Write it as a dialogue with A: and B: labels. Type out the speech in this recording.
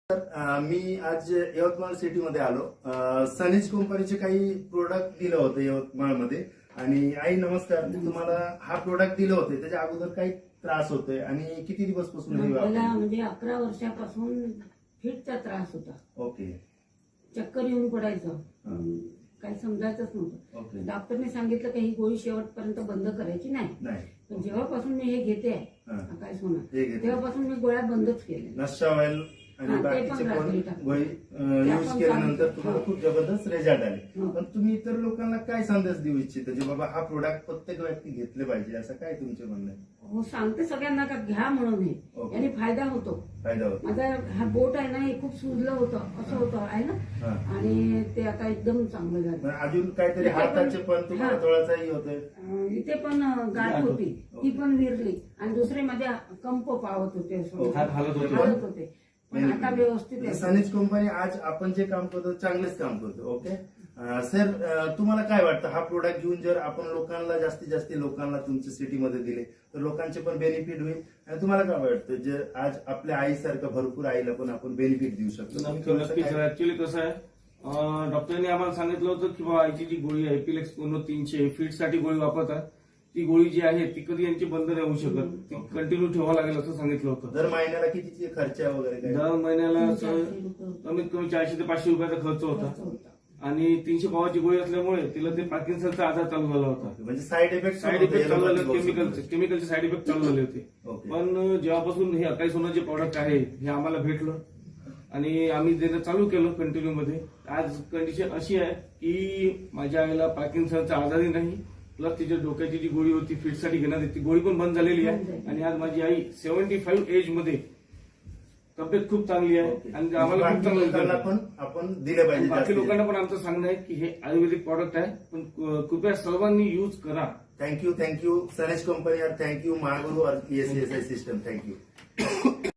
A: मी आज यवतमाळ सिटीमध्ये आलो. सनीज कंपनीचे काही प्रोडक्ट दिलं होतं यवतमाळमध्ये. आणि आई नमस्कार, मी तुम्हाला हा प्रोडक्ट दिलं होते, त्याच्या अगोदर काही त्रास होतोय आणि किती दिवसपासून हे
B: मला
A: वापरताय?
B: म्हणजे 11 वर्षापासून फिटचा त्रास होता.
A: ओके
B: चक्कर येऊन पडायचं, काही समजायचंच नव्हतं.
A: ओके
B: डॉक्टरने सांगितलं की ही गोळी शेवटपर्यंत बंद करायची नाही.
A: नाही
B: पण जेव्हापासून मी हे घेते
A: हा.
B: काय सोना,
A: हे घेते.
B: तेव्हापासून मी गोळ्या बंदच केल्या.
A: नशा ऑइल आणि
B: हा, ते
A: बाकीचे
B: पण
A: पण
B: रात्री टाकतो.
A: गोळी
B: ते
A: यूज
B: आपण
A: केल्यानंतर
B: चालू-
A: तुम्हाला
B: हा.
A: खूप जबरदस्त रिझल्ट आले.
B: हा.
A: पण तुम्ही इतर लोकांना काय संदेश देऊ इच्छिता, जे बाबा हा प्रोडक्ट प्रत्येक व्यक्ती घेतले पाहिजे, असं काय तुमचे म्हणणं आहे?
B: हो, सांगते सगळ्यांना का घ्या म्हणून हे,
A: ओके.
B: याने फायदा होतो.
A: फायदा होतो.
B: माझा हा बोट आहे ना, हे खूप सुजलं होतं, असं होतं आहे ना,
A: हा.
B: आणि ते आता एकदम चांगलं झालं.
A: पण अजून काहीतरी
B: इथे पण-
A: हाताचे पण तुम्हाला
B: हा.
A: तोळाचाही होतोय.
B: इथे पण गाठ होती, ती पण विरली, आणि दुसरे माझ्या कंप पावत होते, हालत होते. पण आता व्यवस्थित आहे.
A: सनीज कंपनी आज आपण जे काम करतो चांगलेच काम करतो. ओके सर, तुम्हाला काय वाटतं, हा प्रोडक्ट घेऊन जर आपण लोकांना जास्तीत जास्त लोकांना तुमच्या सिटीमध्ये दिले तर लोकांचे पण बेनिफिट होईल, आणि तुम्हाला काय वाटतं, जे आज आपल्या आईसारखं भरपूर आईला पण आपण बेनिफिट देऊ शकतो?
C: नक्कीच. ऍक्च्युली कसं आहे, डॉक्टरने आम्हाला सांगितलं होतं की बाबा आईची जी गोळी आहे एपिलेक्स 300 फीटसाठी गोळी वापरतात, ती गोळी जी आहे ती कधी यांची बंद नाही होऊ शकत, ती कंटिन्यू ठेवावं लागेल असं सांगितलं होतं.
A: दर महिन्याला कितीचे खर्च वगैरे काय?
C: दर महिन्याला
B: 400 रुपये
C: कमीत कमी 400 ते 500 रुपयाचा खर्च होता.
B: होता.
C: आणि 300 पावाची गोळी असल्यामुळे तिला ते पार्किन्सनचा आजार चालू झाला होता.
A: म्हणजे साईड इफेक्ट
C: साईड इफेक्ट चालू झाले, केमिकलचे साईड इफेक्ट चालू झाले होते.
A: ओके.
C: पण जेव्हापासून हे अकाई सोनं जे प्रॉडक्ट आहे हे आम्हाला भेटलं आणि आम्ही देणं चालू केलं कंटिन्यू मध्ये. आज कंडिशन अशी आहे की माझ्या आईला पार्किन्सनचा आजारही नाही, प्लस तिच्या डोक्याची जी गोळी होती फिटसाठी घेण्यात ती गोळी पण बंद झालेली आहे. आणि आज माझी आई 75 एज मध्ये तब्येत खूप चांगली आहे. आणि आम्हाला खूप
A: बाकी लोकांना
C: चांगलं
A: पण आपण दिले पाहिजे.
C: बाकी लोकांना पण आमचं सांगणं आहे की हे आयुर्वेदिक प्रॉडक्ट आहे, पण कृपया सर्वांनी यूज करा.
A: थँक्यू सनीज कंपनी, और थँक्यू महागुरु और ESSI सिस्टम. थँक्यू.